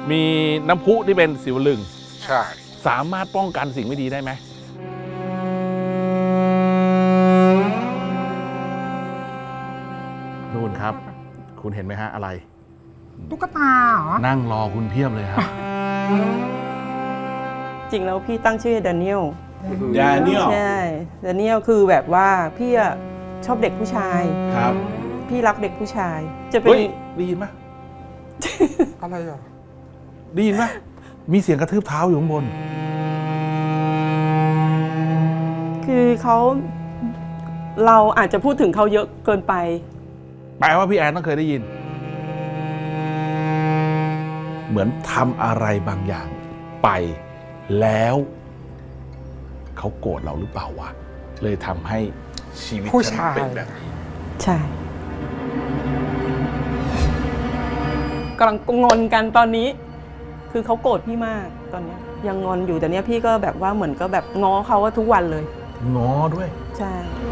มีน้ำพุที่เป็นศิวลึงใช่สามารถป้องกันสิ่งไม่ดีได้ไหมนู่นครับ คุณเห็นไหมฮะอะไรตุ๊กตาเหรอนั่งรอคุณเพียบเลยครับจริงแล้วพี่ตั้งชื่อแดเนียลแดเนียลใช่แดเนียลคือแบบว่าพี่อะชอบเด็กผู้ชายครับพี่รักเด็กผู้ชาย จะเป็นเฮ้ยได้ยินไหมอะไรอ่ะได้ยินไหมมีเสียงกระทืบเท้าอยู่ข้างบนคือเราอาจจะพูดถึงเขาเยอะเกินไปแปลว่าพี่แอนต้องเคยได้ยิน เหมือนทำอะไรบางอย่างไปแล้วเขาโกรธเราหรือเปล่าวะ เลยทำให้ชีวิตผู้ฉันชายเป็นแบบนี้ใช่กำลังงอนกันตอนนี้ คือเขาโกรธพี่มากตอนเนี้ยยังงอนอยู่แต่เนี้ยพี่ก็แบบว่าเหมือนก็แบบง้อเขาว่าทุกวันเลยง้อด้วยใช่